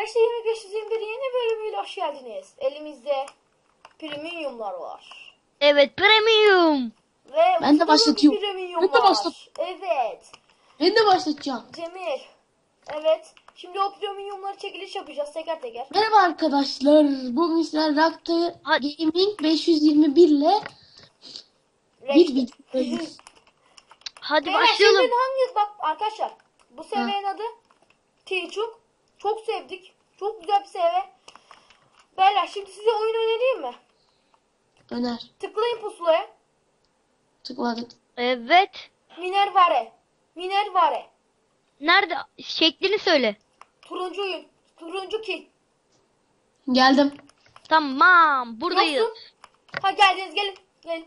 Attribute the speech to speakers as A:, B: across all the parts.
A: Arkadaşlar 2521 yeni bölümüyle hoş geldiniz. Elimizde premiumlar var.
B: Evet, premium.
A: Ve
C: Ben de başlatıyorum.
A: premium
C: Ben de
A: var.
C: başlat.
A: Evet.
C: Ben de başlatacağım.
A: Cemil. Evet. Şimdi o premiumları çekiliş yapacağız teker teker.
C: Merhaba arkadaşlar. Bugün sizler Rakta
B: Hadi.
C: Gaming 521 ile bir videodayız.
B: Hadi
A: Beyler,
B: başlayalım.
A: şimdi hangi bak arkadaşlar bu seviyenin adı T-Chuk. Çok sevdik. Çok güzel bir seviye. Beyler şimdi size oyun önereyim mi?
C: Öner.
A: Tıklayın pusulaya.
C: Tıkladık.
B: Evet.
A: Minervare. Minervare.
B: Nerede? Şeklini söyle.
A: Turuncu oyun. Turuncu kill.
C: Geldim.
B: Tamam, buradayız.
A: Yoksun. Ha geldiniz gelin. Gelin.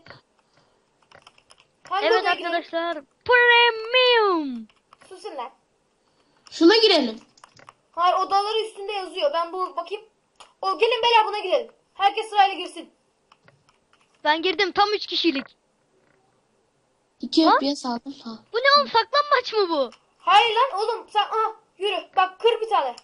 A: Hangi
B: Evet
A: odaya girelim?
B: arkadaşlar. Premium.
A: Susun lan.
C: Şuna girelim.
A: Hayır odaları üstünde yazıyor. Ben bu bakayım. O gelin beyler buna girelim. Herkes sırayla girsin.
B: Ben girdim, tam 3 kişilik.
C: 2
B: Ha?
C: FPS aldım. Ha.
B: Bu ne oğlum, saklanmaç mı bu?
A: Hayır lan oğlum sen yürü. Bak kır bir tane.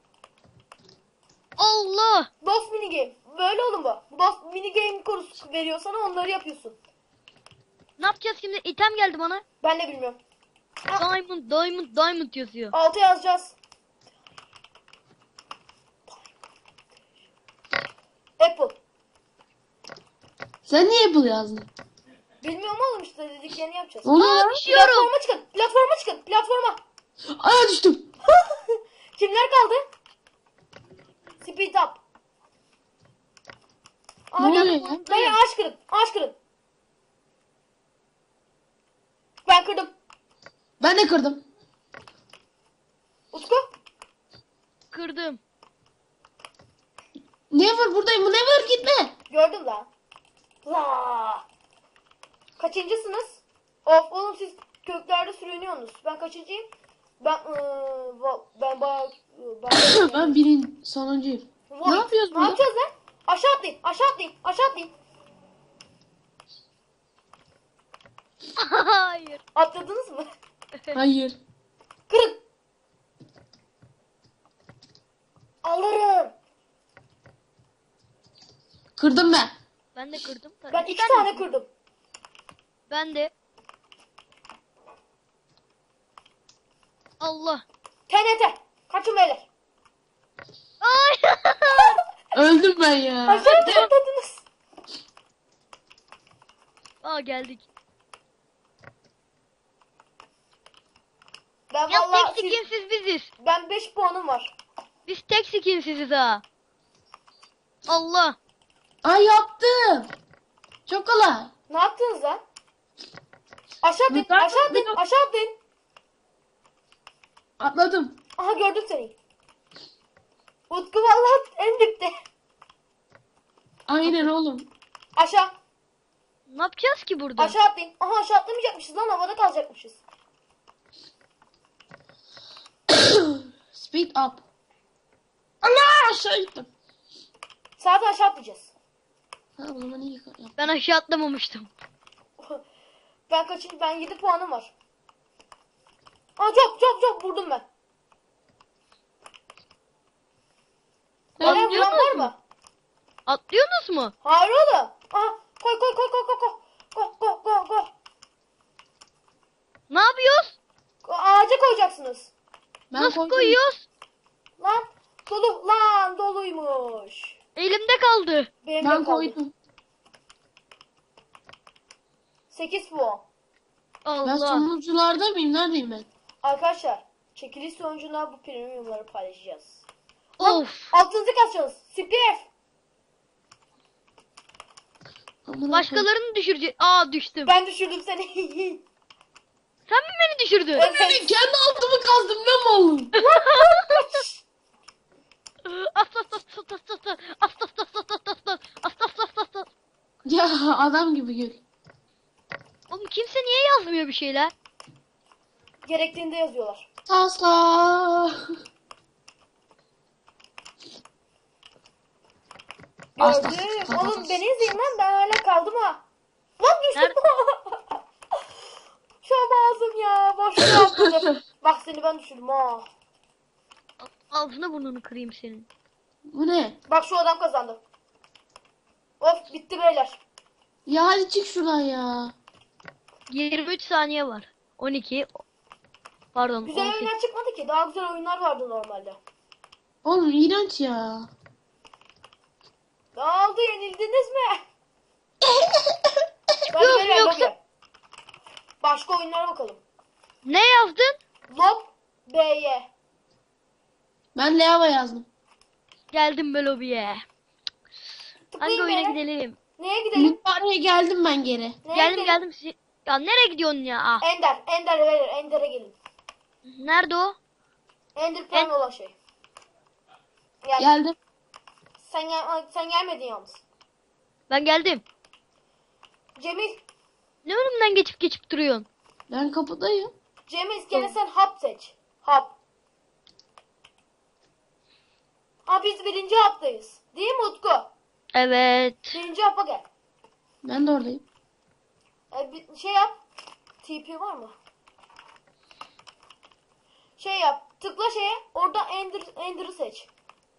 B: Allah.
A: Boss mini game. Böyle oğlum bu. Boss mini game konusu veriyor sana onları yapıyorsun.
B: Ne yapacağız şimdi? İtem geldi bana.
A: Ben de bilmiyorum.
B: Diamond yazıyor.
A: Altı yazacağız. Apple.
C: Sen niye Apple yazdın?
A: Bilmiyorum oğlum işte dediklerini yapacağız.
C: Ne oluyor
B: Aa,
C: lan?
B: düşüyorum.
A: Platforma çıkın. Platforma çıkın. Platforma.
C: Aya düştüm.
A: Kimler kaldı? Speed up.
C: Ne oluyor
A: gel.
C: ya?
A: Beyler ağaç kırın. Ağaç kırın. Ben kırdım.
C: Ben de kırdım.
A: Utku.
B: Kırdım.
C: Never buradayım. Never gitme.
A: Gördüm lan. La. Kaçıncısınız? Of oğlum siz köklerde sürünüyorsunuz. Ben kaçıncıyım? Ben bayağı
C: Ben birin sonuncuyum.
A: Vay.
C: Ne yapıyoruz
A: Ne
C: burada?
A: yapacağız lan? Aşağı atlayın. Aşağı atlayın. Aşağı atlayın.
B: Hayır.
A: Atladınız mı?
C: Hayır.
A: Kırın. Alırım.
C: Kırdım ben.
B: Ben de kırdım.
A: Ben iki tane kırdım.
B: Ben de. Allah.
A: TNT. Kaçın beyler.
B: Ay.
C: Öldüm ben ya.
A: Aşağı atladınız.
B: Aa, geldik.
A: Ben
B: Ya
A: vallahi
B: tek skinsiz biziz.
A: ben 5 puanım var.
B: Biz tek skinsiziz ha. Allah.
C: Ay yaptım. Çok kolay.
A: Ne yaptınız lan? Aşağı atlayın.
C: Yukarı-
A: Aşağı atlayın.
C: yukarı-
A: Aşağı atlayın.
C: Atladım.
A: Aha gördüm seni. Utku vallahi en dipte.
C: Aynen oğlum.
A: Aşağı.
B: Ne yapacağız ki burada?
A: Aşağı atlayın. Aha aşağı atlamayacakmışız lan havada kalacakmışız.
C: Speed up. Allah aşağı gittim.
A: Zaten aşağı atlayacağız.
C: Ha o zaman iyi yap.
B: Ben aşağı atlamamıştım.
A: Ben kaçıncı? Ben 7 puanım var. Aa çok vurdum ben. Oraya vuran var mı?
B: Atlıyorsunuz mu?
A: Hayır oğlum. Aha koy. Go.
B: Ne yapıyoruz?
A: Ağaca koyacaksınız.
C: Ben
B: Nasıl
C: koydum.
B: koyuyoruz?
A: Lan dolu. Lan doluymuş.
B: Elimde kaldı.
A: Benim
C: Ben
A: de kaldı.
C: koydum.
A: 8 puan.
C: Ben
B: Allah.
C: sonuncularda mıyım? Neredeyim ben?
A: Arkadaşlar çekiliş sonucunda bu premiumları paylaşacağız.
B: Of.
A: Altınızı kaçacağız. CPF.
C: Amına
B: Başkalarını düşüreceğiz. Aa, düştüm.
A: Ben düşürdüm seni.
B: Sen mi beni düşürdün?
A: Evet.
C: koyayım. Kendi altımı kazdım ben mi oğlum? Ya adam gibi gül.
B: Oğlum kimse niye yazmıyor bir şeyler?
A: Gerektiğinde yazıyorlar.
C: Tasla.
A: Gördüm. Oğlum beni izleyin lan ben hala kaldım ha. Lan düştüm. Şu ağzım ya. Boşluğa atladım. Bak seni ben düşürdüm ha.
B: Ağzını burnunu kırayım senin.
C: Bu ne?
A: Bak şu adam kazandı. Of bitti beyler.
C: Ya hadi çık şuradan ya.
B: 23 saniye var. 12. Pardon.
A: Güzel
B: 18.
A: oyunlar çıkmadı ki. Daha güzel oyunlar vardı normalde.
C: Oğlum iğrenç ya.
A: Ne oldu, yenildiniz mi? Hadi
B: Yok,
A: beyler,
B: yoksa-
A: lobi. Başka oyunlara bakalım.
B: Ne yazdın?
A: Lob B'ye.
C: Ben Leyava yazdım.
B: Geldim be lobiye. Hangi
A: Tıklayın
B: oyuna
A: beyler.
B: gidelim?
A: Neye gidelim?
C: Mübareğe geldim ben geri.
A: Neye
B: Geldim
A: gidelim?
B: geldim. Ya nereye gidiyorsun ya? Ah.
A: Ender. Ender'e beyler. Ender'e gelin.
B: Nerede o?
A: Ender Pearl olan şey. Gel.
C: Geldim.
A: Sen gelmedin yalnız.
B: Ben geldim.
A: Cemil.
B: Ne önümden geçip duruyorsun?
C: Ben kapıdayım.
A: Cemil gene sen hap seç. Hap. Ha biz birinci haptayız. Değil mi Utku?
B: Evet.
A: Birinci hapa gel.
C: Ben de oradayım.
A: Bir şey yap. TP var mı? Şey yap. Tıkla şeye. Orada Ender'ı seç.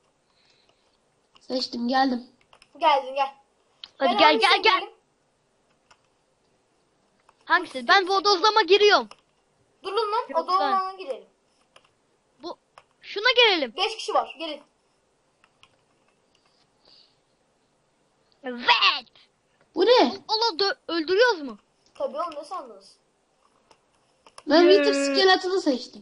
C: Seçtim geldim.
A: Geldin gel.
B: Hadi
A: Ben
B: gel
A: hangisine
B: gel gel.
A: girelim?
B: Hangisi? Ben bodozlama giriyorum.
A: Durun lan.
B: Yok,
A: O dolmana girelim.
B: Bu şuna gelelim.
A: 5 kişi var. Gelin.
B: Evet.
C: Bu ne?
B: Allah öldürüyoruz mu?
A: Tabii oğlum, ne sandınız?
C: Ben
B: Yee.
C: Wither Skeleton'ı seçtim.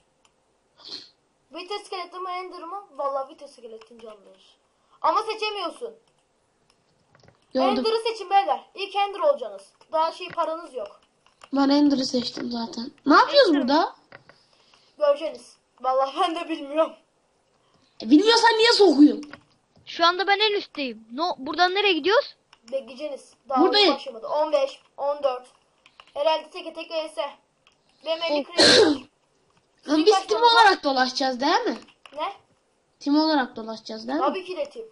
A: Vita skeleti mi Ender mı? Vallahi Vita skeletin canlıdır. Ama seçemiyorsun.
C: Gördüm.
A: Ender'ı seçin beyler. İlk Ender olacaksınız. Daha paranız yok.
C: Ben Ender'ı seçtim zaten. Ne yapıyoruz burada?
A: Göreceksiniz. Vallahi ben de bilmiyorum.
C: Bilmiyorsan niye sokuyorsun?
B: Şu anda ben en üstteyim. Buradan nereye gidiyoruz?
A: Bekleyeceksiniz. Daha
C: Buradayım.
A: oyun başlamadı. 15, 14. Herhalde teke tek vs. Benim 50 kredi.
C: Lan biz tim olarak dolaşacağız değil mi?
A: Ne?
C: Tim olarak dolaşacağız değil mi?
A: Tabii ki de team.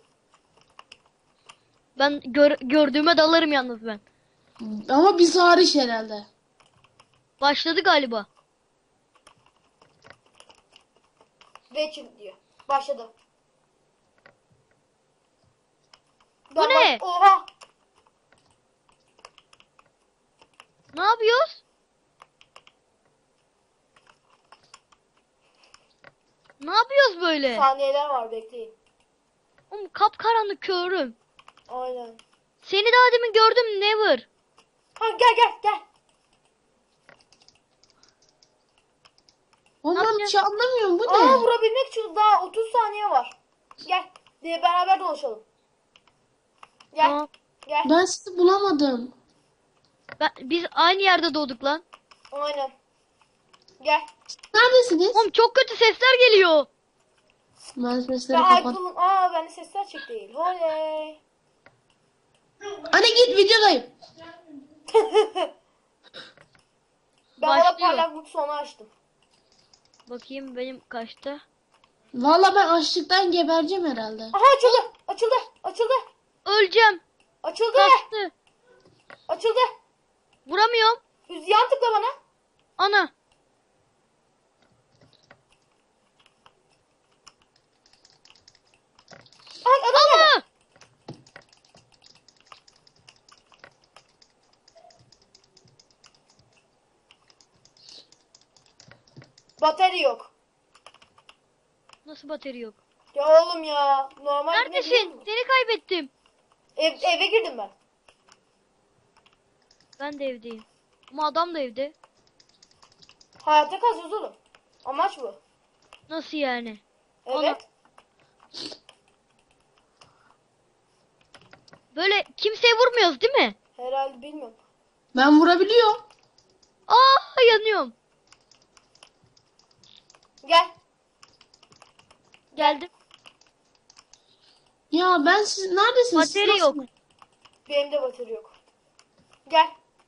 B: Ben gördüğüme dalarım yalnız ben.
C: Ama biz hariç herhalde.
B: Başladı galiba.
A: Witcher diyor. Başladı.
B: Bu ne?
A: Oha.
B: Ne yapıyoruz? Ne yapıyoruz böyle?
A: Saniyeler var, bekleyin.
B: Oğlum kapkaranlık körüm.
A: Aynen.
B: Seni daha demin gördüm Never.
A: Ha gel.
C: Oğlum
B: Ne
C: ben hiç
B: yapacağız?
C: anlamıyorum bu ne?
A: Aa, vurabilmek için daha 30 saniye var. Gel. Diye beraber dolaşalım. Gel.
B: Tamam.
A: Gel.
C: Ben sizi bulamadım.
B: Biz aynı yerde doğduk lan.
A: Aynen. Gel.
C: Neredesiniz?
B: Oğlum çok kötü sesler geliyor.
C: Ben sesleri
A: Ben
C: kapat.
A: Aykut'un... bende sesler çık değil. Oley.
C: Anne git videodayım.
A: Ben valla
B: Başlıyor.
A: parlaklık sonu açtım.
B: Bakayım benim kaçta?
C: Valla ben açlıktan gebereceğim herhalde.
A: Aha açıldı.
B: Öleceğim.
A: Açıldı.
B: Kastı.
A: Açıldı.
B: Vuramıyorum.
A: Yan tıkla bana.
B: Ana.
A: Ay adam geldi.
B: Ana.
A: Batarya yok.
B: Nasıl batarya yok?
A: Ya oğlum ya. Normal
B: Neredesin? Seni kaybettim.
A: Eve girdim ben.
B: Ben de evdeyim. Ama adam da evde.
A: Hayatta kalacağız oğlum. Amaç bu.
B: Nasıl yani?
A: Evet.
B: Böyle kimseye vurmuyoruz değil mi?
A: Herhalde bilmiyorum.
C: Ben vurabiliyorum.
B: Aa yanıyorum.
A: Gel.
B: Geldim.
C: Ya ben siz neredesiniz? Siz
B: Batarya yok.
C: nasıl-
A: Benim de batarya yok. Gel.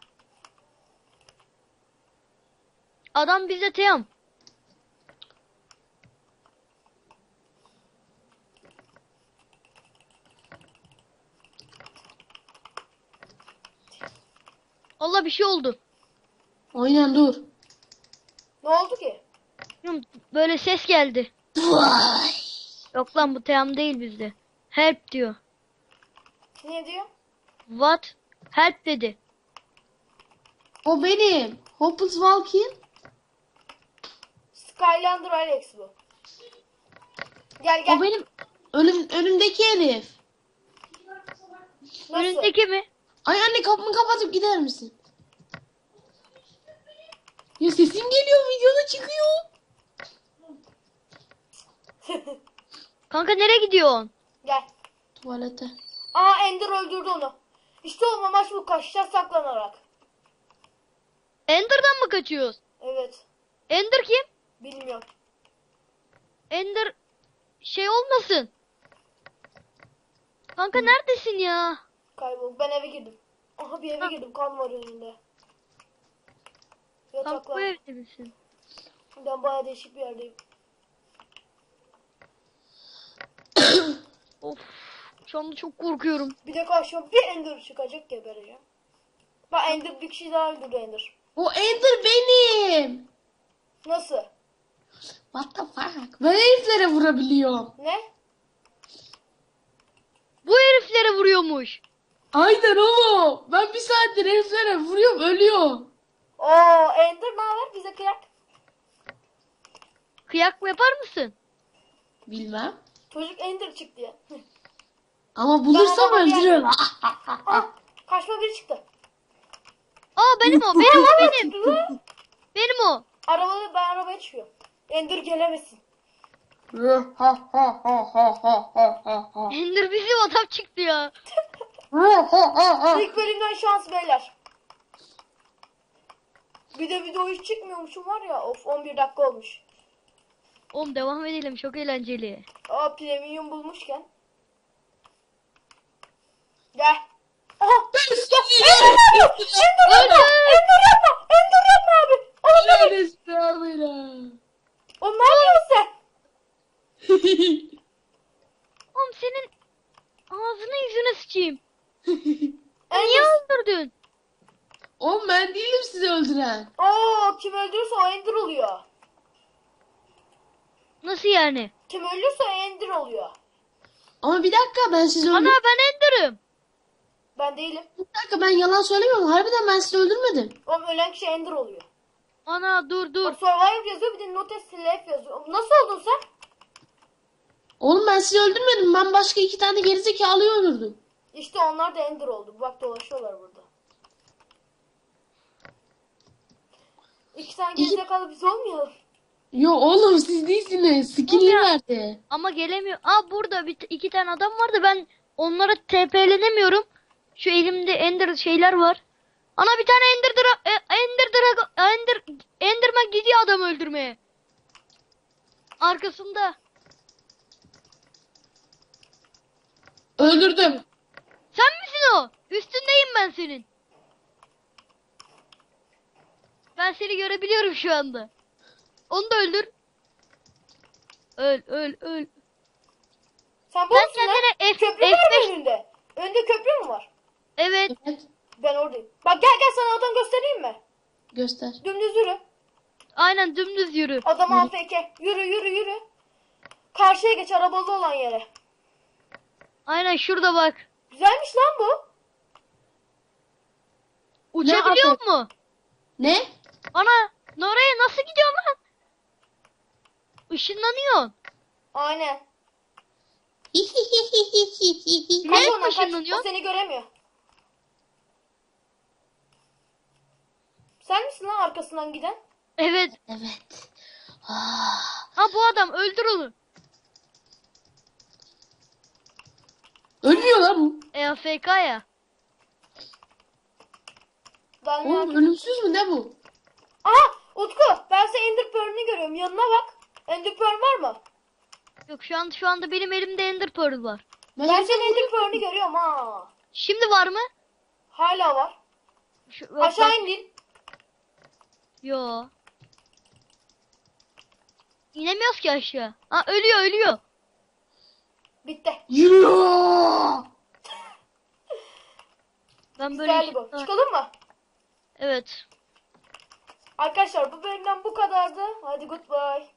B: Adam bize teyam. Allah bir şey oldu.
C: Aynen dur.
A: Ne oldu ki?
B: Bilmiyorum, böyle ses geldi.
C: Vay.
B: Yok lan bu team değil bizde. Help diyor.
A: Ne diyor?
B: What? Help dedi.
C: O benim. Hopeless Walking.
A: Skylander Alex bu. Gel gel.
C: O benim önümdeki herif.
A: Nasıl?
B: Önündeki mi?
C: Ay anne kapımı kapatıp gider misin? Ya sesim geliyor videoda çıkıyor.
B: Kanka nereye gidiyorsun?
A: Gel.
C: Tuvalete.
A: Aa Ender öldürdü onu. İşte o amaç bu, kaçacağız saklanarak.
B: Ender'dan mı kaçıyoruz?
A: Evet.
B: Ender kim?
A: Bilmiyorum.
B: Ender şey olmasın. Kanka neredesin ya?
A: Kaybolduk. Ben eve girdim. Aha bir eve girdim. Kan var önünde.
B: Kanka bu
A: Yataklar.
B: evde misin?
A: Ben bayağı değişik bir yerdeyim.
B: Of. Şu anda çok korkuyorum.
A: Bir de karşıma bir Ender çıkacak, gebereceğim. Bak Ender, bir kişi daha öldürdü Ender.
C: O Ender benim.
A: Nasıl?
C: What the fuck? Ben heriflere vurabiliyorum.
A: Ne?
B: Bu heriflere vuruyormuş.
C: Aynen oğlum. Ben bir saattir heriflere vuruyorum ölüyorum.
A: Oo Ender ne haber? Bize kıyak.
B: Kıyak mı yapar mısın?
C: Bilmem.
A: Çocuk Ender çıktı ya.
C: Ama bulursam
A: Ben adama
C: öldürürüm.
A: Aa, karşıma biri çıktı.
B: Aa benim o. Benim o benim. Benim o.
A: Ben arabaya çıkıyorum. Ender gelemesin.
B: Ender bizim adam çıktı ya.
A: İlk bölümden şans beyler. Bir de video hiç çıkmıyormuşum var ya. Of 11 dakika olmuş.
B: Oğlum devam edelim çok eğlenceli.
A: Aa premium bulmuşken. Gel. Aha.
B: Öldü.
A: Ender yapma. Ender yapma abi. Oğlum ne yapıyorsun sen?
B: Oğlum senin ağzına yüzüne sıçayım. Niye
A: Ender.
B: öldürdün?
C: Oğlum ben değilim sizi öldüren.
A: Oo kim öldürürse o Ender oluyor.
B: Nasıl yani?
A: Kim ölürse o Ender oluyor.
C: Ama bir dakika ben sizi
B: Ana
C: öldürmedim.
B: ben Ender'ım.
A: Ben değilim.
C: Bir dakika ben yalan söylemiyorum. Harbiden ben sizi öldürmedim.
A: Oğlum ölen kişi Ender oluyor.
B: Ana dur dur.
A: Bak Survivor yazıyor, bir de Notes Slave yazıyor. Oğlum nasıl oldun sen?
C: Oğlum ben sizi öldürmedim. Ben başka 2 tane gerizekalıyı öldürdüm.
A: İşte onlar da Ender oldu. Bak dolaşıyorlar burada. 2 tane gerizekalı biz olmayalım.
C: Yo oğlum siz değilsiniz. Skinli
B: Oğlum ya.
C: verdi.
B: Ama gelemiyor. Aa burada iki tane adam vardı. Ben onlara TP'lenemiyorum. Şu elimde Ender şeyler var. Ana bir tane Enderman gidiyor adam öldürmeye. Arkasında.
C: Öldürdüm.
B: Sen misin o? Üstündeyim ben senin. Ben seni görebiliyorum şu anda. Onu da öldür. Öl öl öl.
A: Sen bu
B: Sen
A: musun lan?
B: kendine
A: Köprü mü var
B: F5.
A: önünde? Önünde köprü mü var?
B: Evet.
C: Evet.
A: Ben oradayım. Bak gel gel, sana adam göstereyim mi?
C: Göster.
A: Dümdüz yürü.
B: Aynen dümdüz yürü.
A: Adam AFK. Yürü yürü yürü. Karşıya geç, arabalı olan yere.
B: Aynen şurada bak.
A: Güzelmiş lan bu.
B: Uçabiliyor
C: yapayım?
B: mu?
C: Ne?
B: Ana oraya nasıl gidiyorsun lan? Işınlanıyorsun.
A: Aynen.
B: Ne
A: Kaç ondan kaç.
B: ışınlanıyor?
A: O seni göremiyor. Sen misin lan arkasından giden?
B: Evet.
C: Evet. Ah.
B: Ha bu adam öldür onu.
C: Ölmüyor lan bu.
B: AFK ya.
C: Oğlum ölümsüz mü ne bu?
A: Aha Utku, ben senin Ender Pearl'ünü görüyorum. Yanına bak. Ender Pearl var mı?
B: Yok şu anda benim elimde Ender Pearl var.
A: Ben
C: herife
A: senin Ender
C: vuruyorum.
A: Pearl'ünü görüyorum ha.
B: Şimdi var mı?
A: Hala var.
B: Şu,
A: Aşağı indin.
B: Yo. İnemiyoruz ki aşağı. Ha ölüyor.
A: Bitti.
C: Yürüyor.
B: Ben böyle
A: Güzeldi bu. Çıkalım mı?
B: Evet.
A: Arkadaşlar bu bölümden bu kadardı. Hadi goodbye.